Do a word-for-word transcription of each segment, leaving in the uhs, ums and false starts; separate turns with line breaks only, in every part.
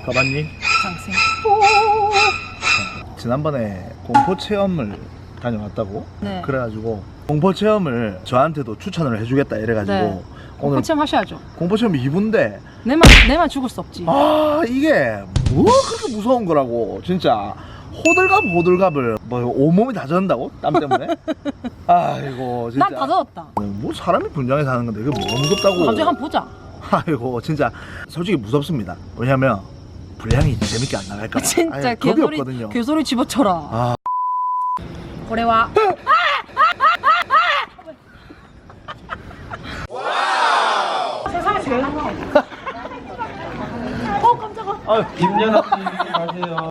가봤니?
장생.
지난번에 공포 체험을 다녀왔다고?
네.
그래가지고 공포 체험을 저한테도 추천을 해주겠다 이래가지고
네.
오늘
공포 체험 하셔야죠.
공포 체험 이 부인데
내만 내만 죽을 수 없지.
아 이게 뭐 그렇게 무서운 거라고 진짜. 호들갑 호들갑을 뭐 온몸이 다 젖는다고? 땀 때문에? 아이고 진짜
난 다 젖었다.
뭐 사람이 분장해 사는 건데 그게 뭐 무섭다고.
갑자기 한번 보자.
아이고 진짜 솔직히 무섭습니다. 왜냐면 분량이 재밌게 안 나갈까 봐.
진짜
아예 겁이
개소리
없거든요.
개소리 집어쳐라.
아.
고래와. 세상에 제일 무서워. 어 깜짝아.
아유,
김연아님 가세요.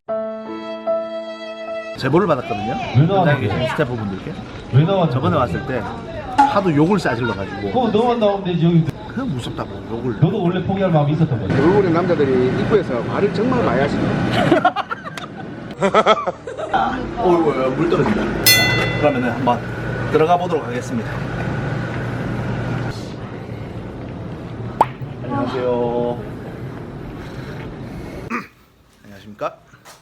제보를 받았거든요. 현장에 계신 스태프분들께.
왜 나왔냐?
저번에 왔을 때 하도 욕을 싸질러 가지고
그거 너만 나오면 되지. 여기
그 무섭다고 욕을.
너도 원래 포기할 마음이 있었던 거지.
얼굴의 남자들이 입구에서 말을 정말 많이 하시네요.
아, 어이구 물 떨어진다. 그러면은 한번 들어가 보도록 하겠습니다. 안녕하세요. 안녕하십니까?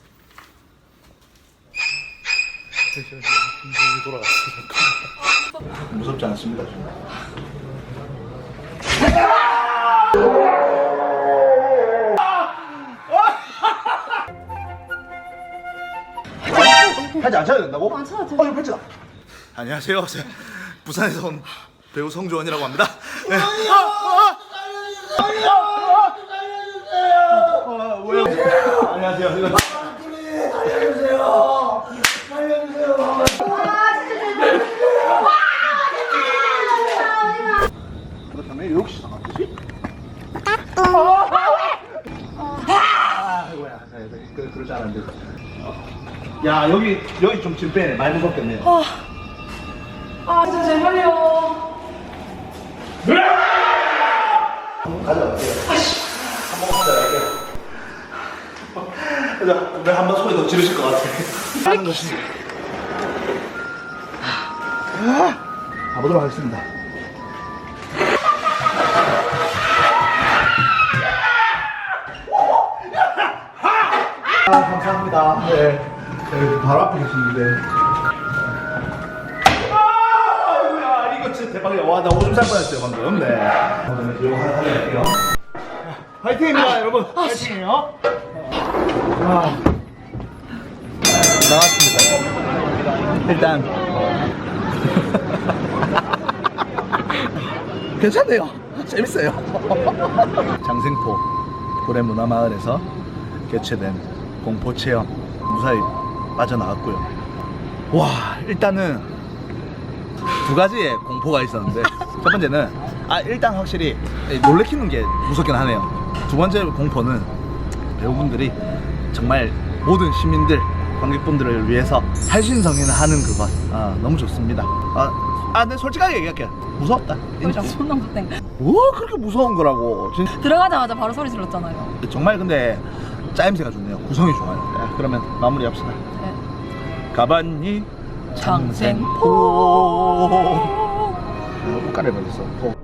돌아갔습니다. 무섭지 않습니다. 하지 안 쳐야 된다고? 안 쳐야 돼. 어, 이거 펼치다. 안녕하세요. 저 부산에서 온 배우 성주원이라고 합니다. 네. 아, 아, 아, 왜요? 안녕하세요. 이거 살려주세요. 살려주세요. 그렇다면 왜 혹시 나왔지? 아, 이거야. 그 그러지 않았는데. 야 여기 여기 좀 지금 빼네. 많이 무섭겠네요.
아, 아 진짜 제발요.
가져갈게요. 한번 가져갈게요. 왜 한 번 소리 더 지르실 것 같아. 하는 것이. 가보도록 하겠습니다. 아, 감사합니다. 네. 네, 바로 앞에 계시는데. 아, 이거 진짜 대박이야. 와, 나 오줌 쌀 뻔했어요, 방금. 네. 오늘 이거 하나 살려볼게요. 화이팅입니다, 여러분. 화이팅이에요. 아. 나왔습니다. 일단. 괜찮네요. 재밌어요. 장생포 고래문화마을에서 개최된 공포체험 무사히 빠져나왔고요. 와, 일단은 두 가지의 공포가 있었는데 첫 번째는 아 일단 확실히 놀래키는 게 무섭긴 하네요. 두 번째 공포는 배우분들이 정말 모든 시민들 관객분들을 위해서 할신성인을 하는 그것 아 너무 좋습니다. 아, 아 근데 솔직하게 얘기할게요. 무섭다. 인정.
존나 무섭다.
뭐 그렇게 무서운 거라고. 진짜.
들어가자마자 바로 소리 질렀잖아요.
정말 근데 짜임새가 좋네요. 구성이 좋아요. 네, 그러면 마무리합시다.
네.
가봤니?
장생포.
옷가를 받았어.